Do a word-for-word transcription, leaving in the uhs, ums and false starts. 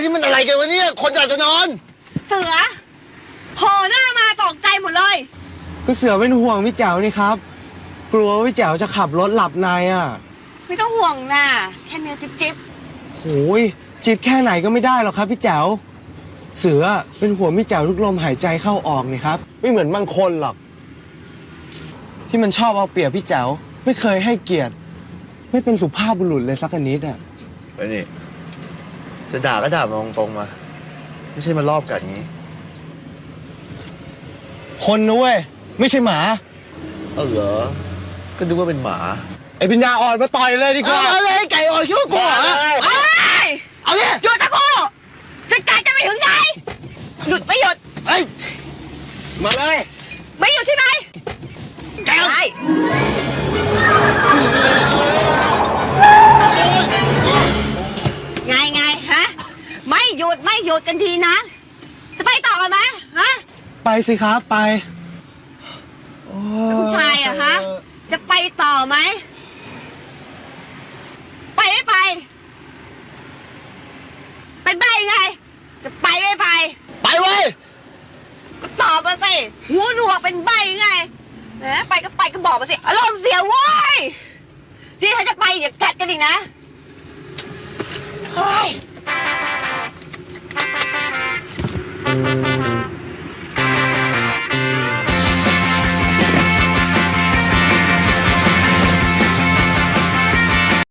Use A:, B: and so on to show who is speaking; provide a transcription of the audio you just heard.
A: นี่มันอะไรกันวะเนี่ยคนอยากจะนอน
B: เสือโผล่หน้ามาตกใจหมดเลย
C: ก็เสือเป็นห่วงพี่แจ๋วนี่ครับกลัวว่าพี่แจ๋วจะขับรถหลับในอ่ะ
B: ไม่ต้องห่วงนะแค่เนี้ยจิ๊บจิ๊บ
C: โอ้ยจิบแค่ไหนก็ไม่ได้หรอกครับพี่แจ๋วเสือเป็นห่วงพี่แจ๋วทุกลมหายใจเข้าออกนี่ครับไม่เหมือนบางคนหรอกที่มันชอบเอาเปรียบพี่แจ๋วไม่เคยให้เกียรติไม่เป็นสุภาพบุรุษเลยสักนิดอ่ะ
A: ไอ้นี่จะด่าก็ด่ามาตรงๆมาไม่ใช่มารอบกัดงี้
C: คนนะเว้ยไม่ใช่หมา
A: เออเหรอก็นึกว่าเป็นหมา
C: ไอ้ปัญญาอ่อนมาต่อยเลยดีกว่า
A: เอาเลยไก่อ่อนคิดว่ากลัวเหรอ
B: เอ้ย
A: เอาเลย
B: หยุดตะโกจะกัดจะไปถึงไหนหยุดไม่หยุด
A: เอ้ย
C: มาเลย
B: ไม่หยุดใช่ไหม
A: ไก่
B: ไงไงฮะไม่หยุดไม่หยุดกันทีนะจะไปต่อกันไหมฮะ
C: ไปสิครับไป
B: ผู้ชายอะฮะจะไปต่อไหมไปไม่ไปเป็นใบไงจะไปไม่ไป
A: ไปเว้ย
B: ก็ตอบมาสิหูหนวกเป็นใบไงนะไปก็ไปก็บอกมาสิอารมณ์เสียเว้ยนี่ถ้าจะไปอย่ากัดกันอีกนะเฮ้ย